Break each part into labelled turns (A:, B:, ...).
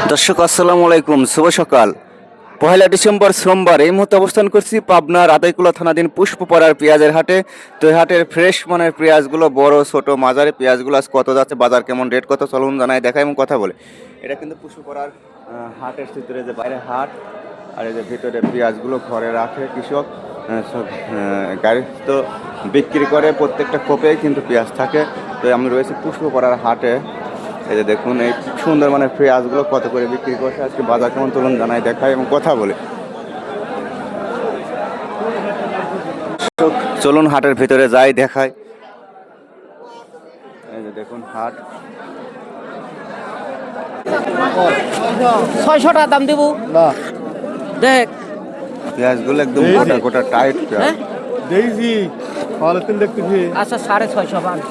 A: দর্শক আসসালামু আলাইকুম, শুভ সকাল। 1 ডিসেম্বর সোমবার এই মুহূর্তে অবস্থান করছি পাবনার আতাইকুলা থানাধীন পুষ্পপাড়ার পেঁয়াজের হাটে। তো এই হাটের ফ্রেশ মানের পেঁয়াজগুলো, বড় ছোট মাঝারি পেঁয়াজগুলো আজ কত যাচ্ছে, বাজার কেমন, রেট কত, চলুন জানাই, দেখাই এবং কথা বলে। এটা কিন্তু পুষ্পপাড়ার হাটের ভিতরে, যে বাইরে হাট আর এই যে ভিতরে পেঁয়াজগুলো ঘরে রাখে কৃষক, সব গাড়ি তো বিক্রি করে, প্রত্যেকটা খোপেই কিন্তু পেঁয়াজ থাকে। তো আমি রয়েছি পুষ্পপাড়ার হাটে। এই যে দেখুন, এই সুন্দর মানে পেঁয়াজগুলো কত করে বিক্রি করছে, আজকে বাজার কেমন, চলুন জানাই, দেখাই এবং কথা বলে। চলুন হাটের ভিতরে যাই, দেখাই। এই যে দেখুন হাট,
B: 600 টাকা দাম দেবো না। দেখ
A: পেঁয়াজগুলো একদম গোটা গোটা টাইট পেঁয়াজ।
C: দেখছি ভালো তিন দেখতেছি।
B: আচ্ছা 650 পান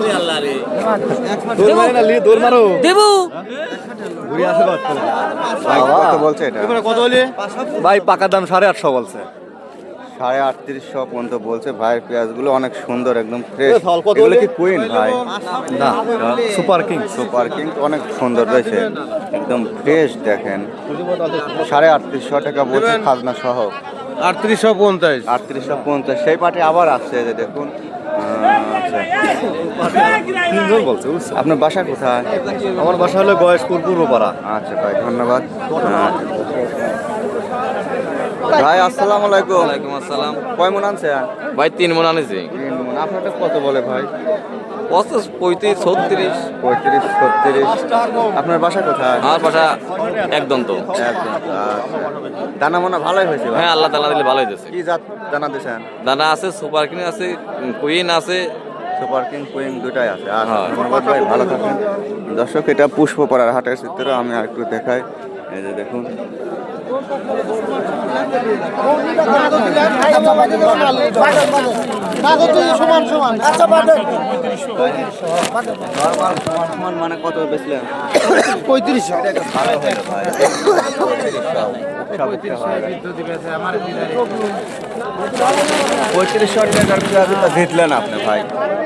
C: দৌড় মারো
B: দেবো।
C: ঘুরে আসে
A: ভাই কত বলছে এটা?
C: কত বলি ভাই? পাকা দাম 850 বলছে।
A: 3850 পর্যন্ত বলছে ভাই। পেঁয়াজগুলো অনেক সুন্দর, একদম ফ্রেশ।
C: কত
A: এগুলো কি কুইন ভাই?
C: না, সুপার কিং।
A: সুপার কিং অনেক সুন্দর রয়েছে, একদম ফ্রেশ। দেখেন 3850 টাকা বলছে খাজনা সহ।
C: 3850।
A: 3850 সেই পাটে আবার আসছে, যে দেখুন। আচ্ছা,
C: তিনজন বলছে।
A: আপনার বাসা কোথায়?
C: আমার বাসা হলো গয়েশপুর পূর্বপাড়া।
A: আচ্ছা ভাই, ধন্যবাদ। ভাই আসসালামু আলাইকুম।
D: ওয়ালাইকুম আসসালাম।
A: কয় মন আনছে?
D: ভাই 3 মণ আনেছি।
A: 3 মন। আপনারটা কত বলে ভাই?
D: 35, 35, 36।
A: 35, 36। আপনার বাসা কোথায়?
D: আমার পাশা একদম তো।
A: একদম। আচ্ছা, দানা মোনা ভালোই হয়েছে ভাই।
D: হ্যাঁ, আল্লাহ তাআলা দিলে ভালোই দিয়েছে।
A: কি জাত দানা দিয়েছেন?
D: দানা আছে, সুপার কিং আছে, কুইন আছে।
A: সুপার কিং কুইং দুটাই আছে। আচ্ছা,
D: হ্যাঁ।
A: ধন্যবাদ ভাই, ভালো থাকেন। দর্শক, এটা পুষ্পপাড়ার হাটের চিত্র, আমি আর একটু দেখাই। এই যে দেখুন, সমান মানে কত বেচলেন?
C: 3500।
A: ভালো হয়ে ভাই। 3500 টাকার পেঁয়াজ তো জিতলেন আপনি ভাই।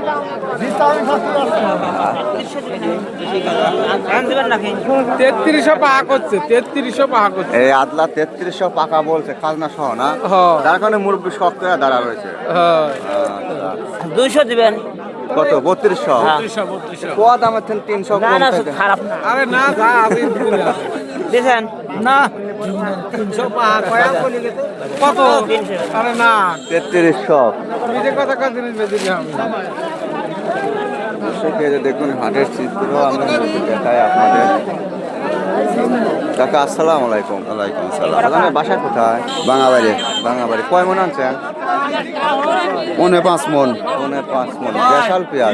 C: 3300 পাকা করছে। 3300 পাকা করছে।
A: এই আদলা 3300 পাকা বলছে, খাজনা সহ না? যার কারণে মুরব্বী শক্ত হয়ে দাঁড়া রয়েছে। আচ্ছা।
B: 200 দিবেন।
A: কত? 3200? কোয়া দামের থেকে 300
B: না
A: কম
B: না,
A: থাকে।
B: খারাপ না।
C: আরে না, যা আছে
B: দেখেন
C: না। 300 পাকা কয়া বলি কত? আরে না,
A: 3300।
C: নিজে কথা কাজ জিনিস বেশি আমি।
A: দর্শক, এই যে দেখুন হাটের চিত্র, আমি দেখাই আপনাদের। কাকা আসসালামু আলাইকুম। ওয়ালাইকুম আসসালাম। আপনার বাসা কোথায়?
C: বাঙাবাড়ি।
A: বাঙাবাড়ি। কয় মন আনছেন?
C: 5 মন।
A: 5 মন। দেশাল পেঁয়াজ।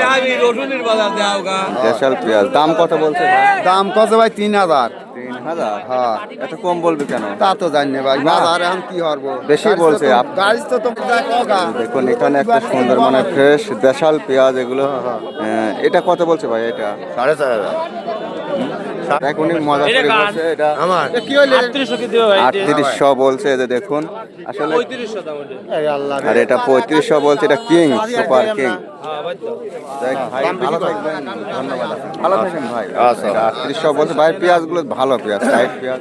A: দেশাল পেঁয়াজ দাম কত বলছে ভাই?
C: দাম কত ভাই? 3000।
A: 3000?
C: হ্যাঁ,
A: এত কম বলবে কেন?
C: তা তো জানি না ভাই। বাজার এখন কি করবো?
A: বেশি বলছে।
C: গাড়ি তো তোমরা কগা।
A: দেখুন এখানে একটা সুন্দর মানে ফ্রেশ দেশাল পেঁয়াজ এগুলো। এটা কত বলছে ভাই? এটা
C: 4500।
A: দেখ, উনি মজা করে বলছে। এটা
C: আমার কি হইলো?
A: 3800 বলছে। এই যে দেখুন, আসলে
D: 3500 দাম ওটা।
C: এই আল্লাহ
A: আর এটা 3500 বলছে। এটা কিং, সুপার কিং। দেখ ভাই, ভালো থাকবেন, ধন্যবাদ। ভালো থাকেন ভাই।
C: আচ্ছা।
A: এটা 3800 বলছে ভাই। পেঁয়াজগুলো ভালো পেঁয়াজ, সাইড পেঁয়াজ।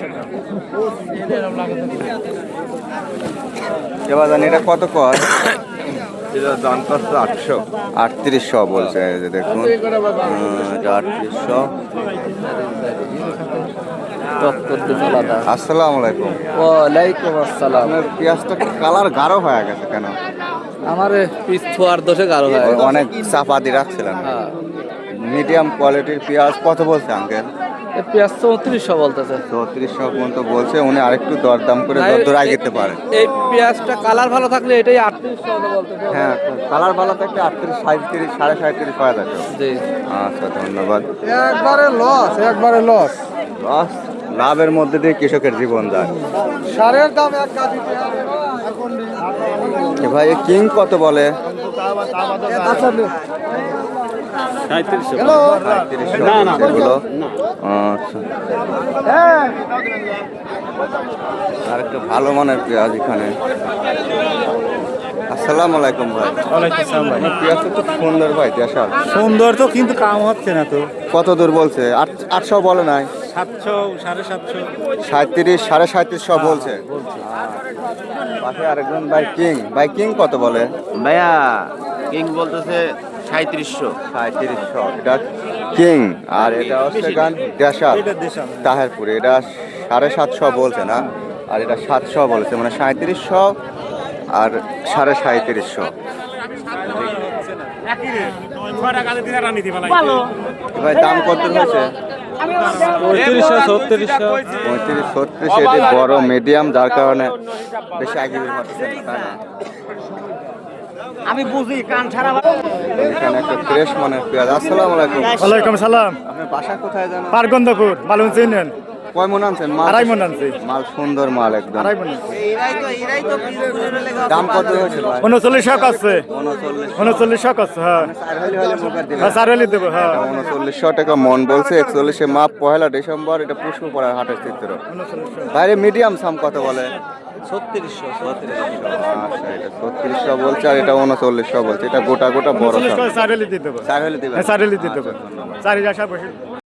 A: এবার জানি এটা কত কর?
C: এটা দাম কত? 800।
A: 3800 বলছে। এই যে দেখুন, এটা 3800। আসসালামু আলাইকুম।
B: ওয়ালাইকুম আসসালাম।
A: আপনার পেঁয়াজটা কালার গাঢ় হয়ে গেছে কেন?
B: আমার পিস থোয়ার দোষে গারো হয়।
A: অনেক চাপা দিয়ে রাখছিলেন। মিডিয়াম কোয়ালিটির পেঁয়াজ কত বলছে আঙ্কেল?
B: পেঁয়াজ 3400 বলতেছে।
A: 3400 পর্যন্ত বলছে। উনি আরেকটু দরদাম করে দরদরাই যেতে পারে।
B: এই পেঁয়াজটা কালার ভালো থাকলে এটাই 3800 বলতেছে।
A: হ্যাঁ, কালার ভালো থাকলে 38, 37, 37.5 পাওয়া যাবে।
B: জি।
A: আচ্ছা, ধন্যবাদ।
C: একবারে লস, একবারে লস।
A: লস, লাভের মধ্যে দিয়ে কৃষকের জীবন যায়।
C: সারের দাম এক গাদিতে
A: এ ভাই, কিং কত বলে?
C: 3700।
A: এগুলো আচ্ছা। আর একটা ভালো মানের পেঁয়াজ এখানে। আসসালামু আলাইকুম ভাই।
C: ওয়ালাইকুম আসসালাম ভাই।
A: পেঁয়াজটা তো সুন্দর ভাই, দেশাল।
C: সুন্দর তো, কিন্তু কাম হচ্ছে না তো।
A: কত দূর বলছে? 800 বলে নাই?
C: 700 750
A: 37 37.5 বলছে পাশে আরেকজন ভাই কিং কত বলে?
E: ভাইয়া কিং বলতেছে 3700।
A: 3700 এটা কিং, আর এটা হচ্ছে গান দেশাল তাহেরপুরে, এটা 750 বলছে না, আর এটা 700 বলেছে, মানে 3700 আর 3750। ভাই দাম কত হয়েছে? 35-36 এটি বড় মিডিয়াম, যার কারণে বেশি আগে বের করতেছে না, তাই না?
C: আমি বুঝি কান ছাড়া
A: এখানে একটা ফ্রেশ মানের পেঁয়াজ। আসসালামু আলাইকুম।
B: ওয়ালাইকুম সালাম।
A: আপনার বাসা কোথায় জানো?
B: পারগন্ধপুর মালুন চিনেন?
A: কয় মন আনছেন মাল?
B: 2.5 মণ আনছি।
A: মাল সুন্দর মাল একদম।
B: 2.5 মণ।
A: দাম কত হয়েছে ভাই?
B: 39 আছে। 39 আছে, হ্যাঁ। হ্যাঁ, 4 দেব, হ্যাঁ।
A: 3900 টাকা মন বলছে, 41 মাপ, 1 ডিসেম্বর। এটা পুষ্পপাড়ার হাটের চিত্র। বাইরে মিডিয়াম সাম কত বলে?
C: 3600
A: আচ্ছা, এটা 3600 বলছে, আর এটা 3900 বলছে। এটা গোটা বড় সাম।
B: 4 দিয়ে দেব।
A: 4 হলে দিবেন?
B: হ্যাঁ, 4 দিয়ে দেব। 4 আশা বসে।